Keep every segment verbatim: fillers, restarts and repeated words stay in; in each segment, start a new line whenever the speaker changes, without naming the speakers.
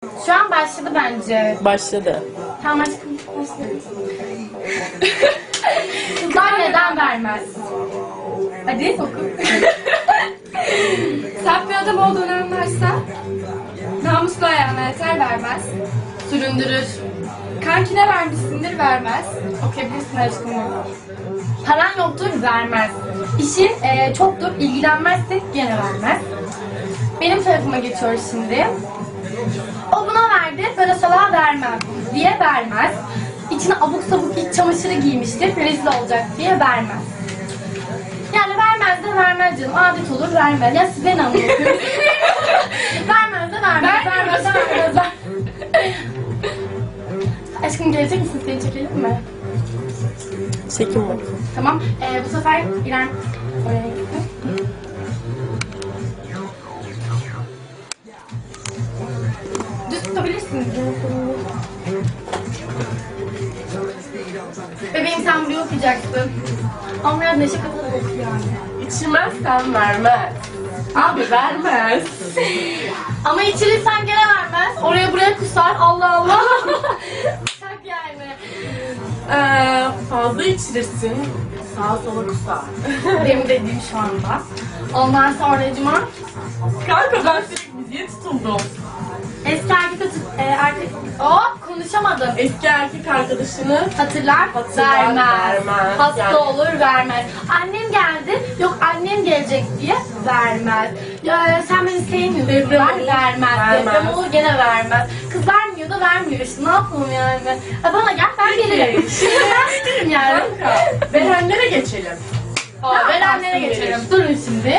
Şu an başladı bence.
Başladı.
Tamam aşkım. Başladı. Kızlar neden vermez? Hadi oku.
Saf bir adam olduğunu anlarsa namuslu ayağına yeter vermez.
Süründürür.
Kankine vermişsindir vermez. Okuyabilirsin aşkım.
Paran yoktur vermez. İşin e, çoktur ilgilenmezse gene vermez. Benim tarafıma geçiyor şimdi. O buna verdi, ben o salağa vermem diye vermez. İçine abuk sabuk iç çamaşırı giymiştir, rezil olacak diye vermez. Yani vermez de vermez canım, adet olur vermez. Ya siz beni anlıyorsunuz. Vermez de vermez, vermez de vermez. vermez. Aşkım gelecek misin? Seni çekelim mi?
Çekin bakayım.
Tamam. Ee, bu sefer İrem oraya gitti. Düz tutabilirsiniz. Bebeğim sen buraya okuyacaksın. Ama biraz neşe katarak oku yani.
İçmezsen vermez. Abi vermez.
Ama içirirsen gene vermez. Oraya buraya kusar. Allah Allah. Şak yani.
Ee, fazla içirirsin. Sağa sola kusar.
Benim dediğim şu anda. Ondan sonra cuma.
Kanka ben sürekli müziğe tutuldum.
Eski erkek atı, e, erkek... Oh, konuşamadım.
Eski erkek arkadaşını
Hatırlar,
Hatırlar,
vermez.
vermez.
Hasta
Yani-
olur, vermez. Annem geldi, yok annem gelecek diye vermez. Ya sen beni sevmiyorsun,
Deprem
ver,
olur,
vermez.
vermez.
Deprem olur, gene vermez. Kız vermiyor da vermiyor işte, ne yapalım yani? Ha, bana gel, ben gelirim. Ben gelirim yani.
Kanka verenlere geçelim.
Aa, verenlere
yaparsın
geçelim.
verir.
Durun şimdi.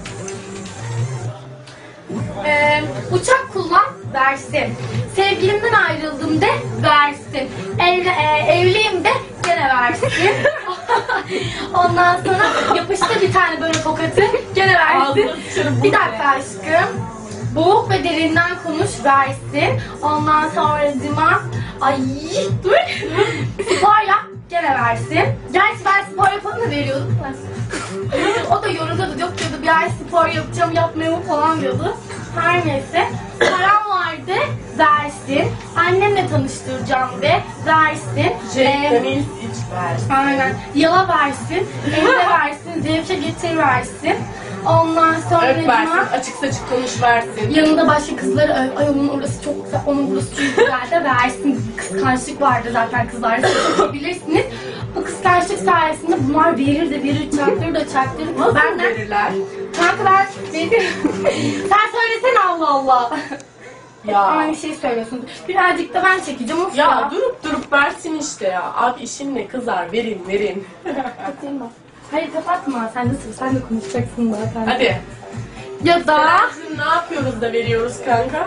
Ee, uçak kullan, versin. Sevgilimden ayrıldım de, versin. Evli, e, evliyim de, gene versin. Ondan sonra yapıştı bir tane böyle tokatı, gene versin.
Ağzına sıçarım, bu
Bir
ne?
dakika aşkım. Boğuk ve derinden konuş, versin. Ondan sonra cima, ay dur. Spor yap, gene versin. Gerçi ben spor yapanı da veriyordum da. O da yoruluyordu, yok diyordu bir ay spor yapacağım, yapmıyorum falan diyordu. Her neyse. Param vardı, versin. Annemle tanıştıracağım de, versin.
Jack'ten
Ee,
ilk iç versin.
Aynen. Yala versin, evde versin, zevke getir versin. Ondan sonra
Öp versin,
cuma-
açık saçık konuş versin.
yanında başka kızları öv. Ay onun orası çok güzel, onun burası çok güzel de versin. Kıskançlık vardı zaten kızlarda, bilirsiniz. Bu kıskançlık sayesinde bunlar verir de verir, çaktırır da çaktırır.
Nasıl
Benden,
verirler?
kanka ben veririm. Sen söylesene Allah Allah.
Ya.
Aynı şeyi söylüyorsun. Birazcık da ben çekeceğim of ya.
Ya durup durup versin işte ya. Abi işin ne kızar, verin verin.
Kapatayım bak. Hayır kapatma, sen de sır, sen de konuşacaksın zaten.
Hadi.
Ya da...
Bizim ne yapıyoruz da veriyoruz kanka?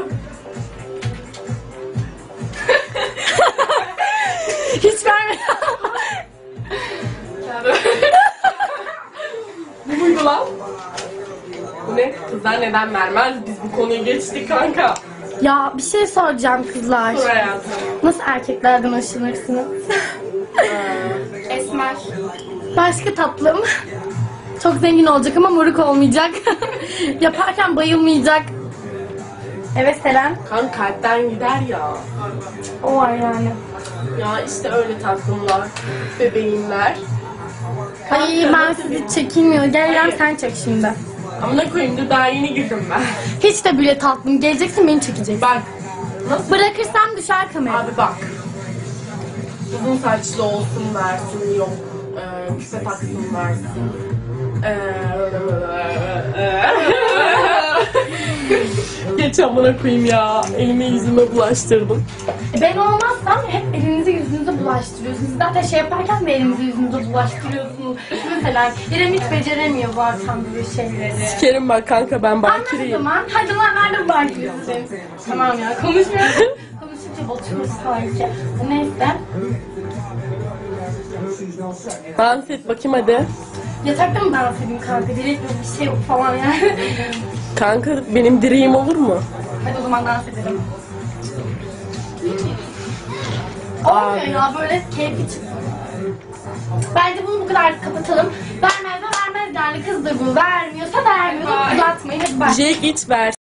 Hiç verme.
Bu muydu lan? Bu ne? Kızlar neden vermez? Biz bu konuyu geçtik kanka.
Ya bir şey soracağım kızlar.
Sor hayatım.
Nasıl erkeklerden hoşlanırsınız?
Esmer.
Başka tatlım. Çok zengin olacak ama moruk olmayacak. Yaparken bayılmayacak. Evet Selen.
Kan kalpten gider ya.
O var yani.
Ya işte öyle tatlımlar, bebeğimler.
Ay ben sizi çekinmiyor. Gel İrem sen çek şimdi.
Amına koyayım dur daha yeni girdim ben.
Hiç de bile tatlım. Geleceksin beni çekeceksin.
Bak. Nasıl?
Bırakırsam düşer kamera.
Abi bak. Uzun saçlı olsun versin yok. Ee, küpe taksın versin. Ee, Geç amına koyayım ya. Elime yüzüme bulaştırdım.
E, Ben olmazsam hep elinizi yüzünüze bulaştırıyorsunuz. Zaten şey yaparken de elinizi yüzünüze bulaştırıyorsunuz. Mesela İrem hiç beceremiyor zaten böyle şeyleri.
Sikerim bak kanka ben
Anlat o
bakireyim.
zaman. Hadi lan nerede bakıyorsun? Tamam ya konuşmuyoruz. Konuşunca batıyoruz sanki. Neyse.
Dans et bakayım hadi.
Yatakta mı dans edeyim kanka? Direkt yok bir şey yok falan yani.
Kanka benim direğim olur mu?
Hadi o zaman dans edelim. Olmuyor ya böyle keyfi çıksın. Bence bunu bu kadar kapatalım. Vermez de vermez yani kızdır bu. Vermiyorsa vermiyor. Uzatmayın hadi bak.
Jake iç ver.